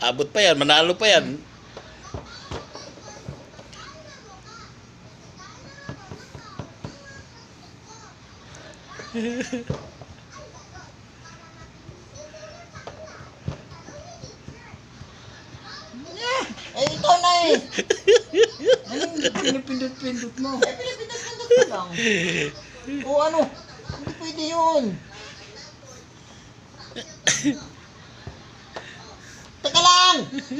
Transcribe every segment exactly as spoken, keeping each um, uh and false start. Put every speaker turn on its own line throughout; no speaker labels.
Abot pa yan, manalo pa yan.
Eh, ikaw na eh.
Anong pinipindot-pindot mo?
Eh, pinipindot-pindot ko lang. O ano? Hindi pwede yun. Teka lang!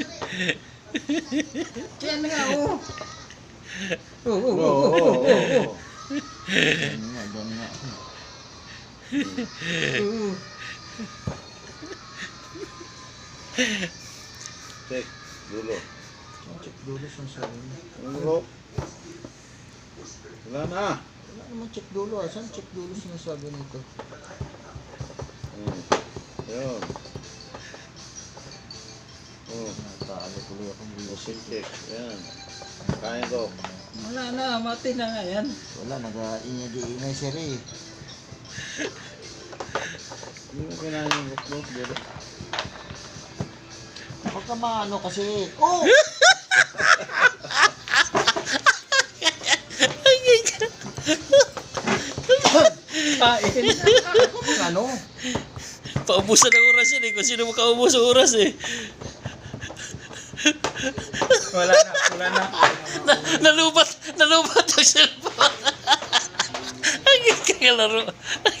Yan nga, oh.
Oo, oo,
Oo,
oo,
oo,
oo, oo.
oo.
Doon nga, doon nga.
Oo.
Check. Dulo.
Check dulo sa sabi mo.
Dulo. Wala na.
Wala naman check dulo. Asan check dulo sinasabi nito?
Hmm. Yun. Oh.
Natalo tuloy akong
Music
music.
check. Yan. Kain ko.
Wala na, mati na nga yan.
Wala, nag-iingay-iingay siya rin.
Hindi mo kinain yung bukbok. Dulo.
Huwag ka maano kasi. Oh!
Kain.
Ako mga ano?
Paubusan ng oras yan eh. Kung sino makaubos ng oras eh.
Wala na, wala na.
Na, nalubat, nalubat ang cellphone. Ang kakalaro.